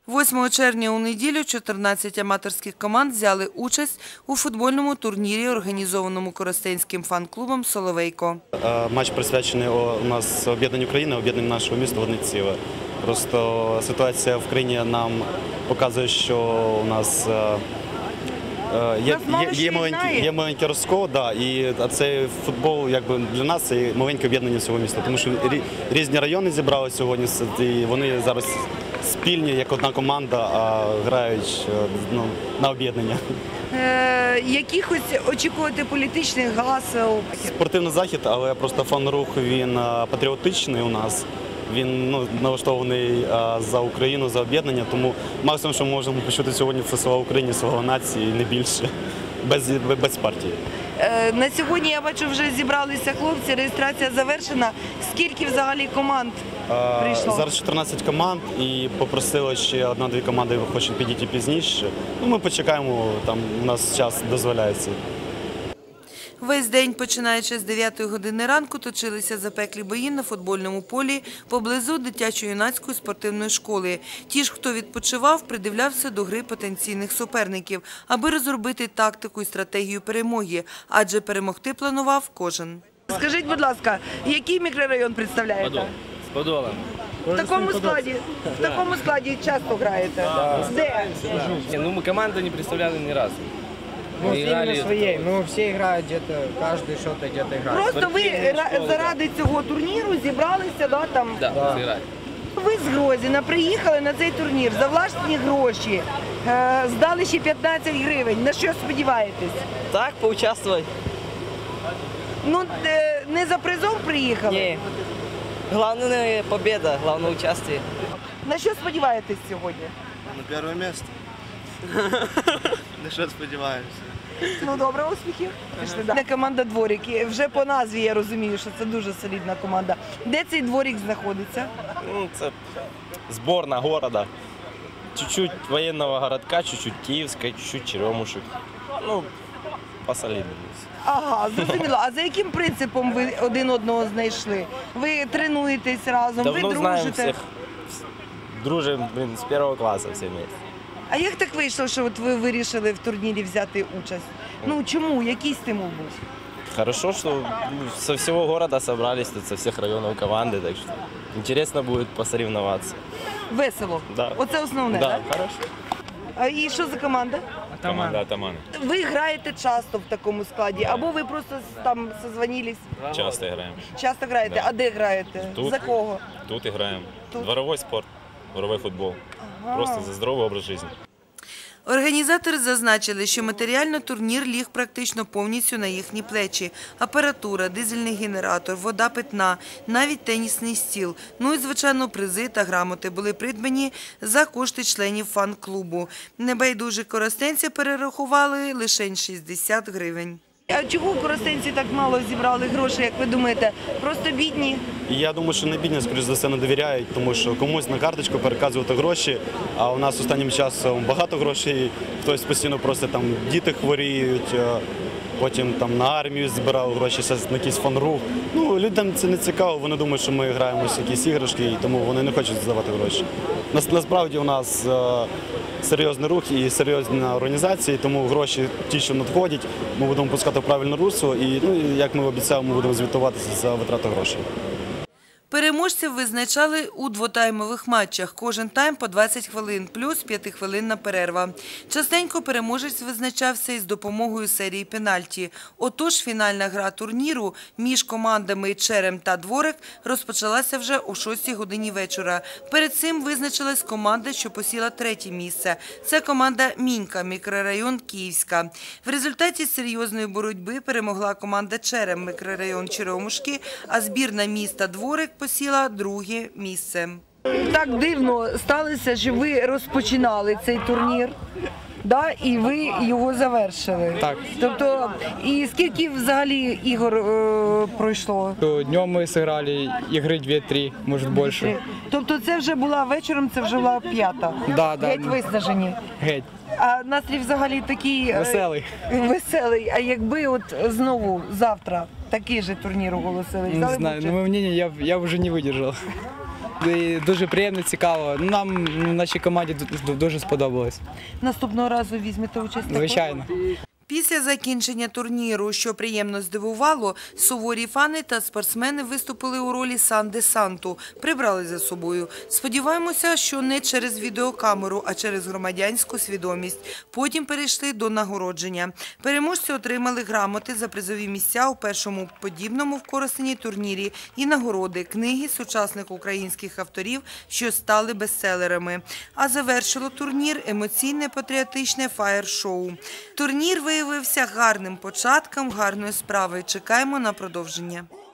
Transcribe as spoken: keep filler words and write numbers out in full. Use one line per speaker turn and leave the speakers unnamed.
восьмого червня у неділю чотирнадцять аматорських команд взяли участь у футбольному турнірі, організованому Коростенським фан-клубом «Соловейко».
Матч присвячений у нас об'єднанню України, об'єднанню нашого міста в одне ціле. Просто ситуація в країні нам показує, що у нас є, є, є, маленький, є маленький розкол, да, і цей футбол якби, для нас це маленьке об'єднання всього міста. Тому що різні райони зібрали сьогодні, і вони зараз спільні, як одна команда, а грають ну, на об'єднання.
Е, якихось очікувати політичних галасів?
Спортивний захід, але просто фан-рух, він патріотичний у нас. Він ну, налаштований а, за Україну, за об'єднання, тому максимум, що ми можемо почути сьогодні, це слава Україні, слава нації, не більше, без, без партії.
Е, на сьогодні, я бачу, вже зібралися хлопці, реєстрація завершена. Скільки взагалі команд прийшло?
А, зараз чотирнадцять команд і попросили ще одна-дві команди, хочуть підійти пізніше. Ну, ми почекаємо, там у нас час дозволяється.
Весь день, починаючи з дев'ятої години ранку, точилися запеклі бої на футбольному полі поблизу дитячо-юнацької спортивної школи. Ті ж, хто відпочивав, придивлявся до гри потенційних суперників, аби розробити тактику і стратегію перемоги, адже перемогти планував кожен. Скажіть, будь ласка, який мікрорайон представляєте?
Подол. З Подола.
В такому складі, в такому складі часто граєте?
Да.
Де?
Ну, мы команду не представляли ни разу.
Ну, именно своей. Ну, все играют где-то, каждый что-то где-то играет.
Просто ви заради цього турніру зібралися, да, там?
Да, да. Сыграть.
Ви з Грозіна приїхали на цей турнір за власні гроші, е, здали ще п'ятнадцять гривень. На що сподіваєтесь?
Так, поучаствовать.
Ну, е, не за призом приїхали?
Не. Главное победа, главное участие.
На що сподіваєтесь сьогодні?
На перше місце. На що сподіваємося?
Ну, добре, успіхів. Пішли далі. Команда «Дворик». Вже по назві я розумію, що це дуже солідна команда. Де цей «Дворик» знаходиться?
Ну, це зборна города. Чуть-чуть воєнного городка, чуть-чуть Київська, чуть-чуть Черемушек. Ну, посолідно.
Ага, зрозуміло. А за яким принципом ви один одного знайшли? Ви тренуєтесь разом,
Давно
ви
знаємо
дружите?
всіх. Дружимо, блін, з першого класу всі вместе.
А як так вийшло, що от ви вирішили в турнірі взяти участь? Ну чому? Який стимул був?
Хорошо, что ну, со всего города собрались, тут со всех районов команды, так что интересно будет посоревноваться.
Весело?
Да.
Оце основне,
Да,
так?
хорошо.
А і що за команда?
Команда «Атаманы».
Ви граєте часто в такому складі, або ви просто там созвонились?
Часто играем.
Часто граєте?
Да.
А де граєте?
Тут.
За кого?
Тут играем.
Тут.
Дворовой спорт, дворовой футбол.
Ага.
Просто за здоровый образ жизни.
Організатори зазначили, що матеріально турнір ліг практично повністю на їхні плечі. Апаратура, дизельний генератор, вода питна, навіть тенісний стіл. Ну і, звичайно, призи та грамоти були придбані за кошти членів фан-клубу. Небайдужі коростенці перерахували лише шістдесят гривень. А чого коростенці так мало зібрали грошей, як ви думаєте? Просто бідні?
І я думаю, що не бідні, скоріш за все, не довіряють, тому що комусь на карточку переказувати гроші, а у нас останнім часом багато грошей, хтось постійно просить, там діти хворіють, потім там на армію збирав гроші, на якийсь фан-рух. Ну, людям це не цікаво, вони думають, що ми граємо в якісь іграшки, і тому вони не хочуть здавати гроші. Насправді у нас серйозний рух і серйозна організація, тому гроші ті, що надходять, ми будемо пускати в правильне русло і, ну, як ми обіцяли, ми будемо звітуватися за витрату грошей.
Переможців визначали у двотаймових матчах. Кожен тайм по двадцять хвилин, плюс п'ятихвилинна перерва. Частенько переможець визначався із допомогою серії пенальті. Отож, фінальна гра турніру між командами «Черем» та «Дворик» розпочалася вже о шостій годині вечора. Перед цим визначилась команда, що посіла третє місце. Це команда «Мінька», мікрорайон Київська. В результаті серйозної боротьби перемогла команда «Черем», мікрорайон Черемушки, а збірна міста «Дворик» посіла друге місце. Так дивно сталося, що ви розпочинали цей турнір, да, і ви його завершили.
Так.
Тобто, і скільки взагалі ігор е, пройшло?
Днем мы сыграли игры две-три, может больше.
Тобто це вже була вечором, це вже була п'ята?
Да, да.
Геть виснажені.
Геть.
А настрій взагалі такий… е,
Веселий.
Веселий. А якби от знову завтра такий же турнір оголосили?
Не знаю, но мое мнение, я, я уже не выдержал.
і дуже приємно, цікаво. Ну, нам, ну, нашій команді ду- ду- дуже сподобалось.
Наступного разу візьмете участь? також?
Звичайно.
Після закінчення турніру, що приємно здивувало, суворі фани та спортсмени виступили у ролі сан-десанту, прибрали за собою. Сподіваємося, що не через відеокамеру, а через громадянську свідомість. Потім перейшли до нагородження. Переможці отримали грамоти за призові місця у першому подібному в Коростені турнірі і нагороди, книги сучасних українських авторів, що стали бестселерами. А завершило турнір емоційне патріотичне фаєр-шоу. Турнір виявився гарним початком гарної справи. Чекаємо на продовження.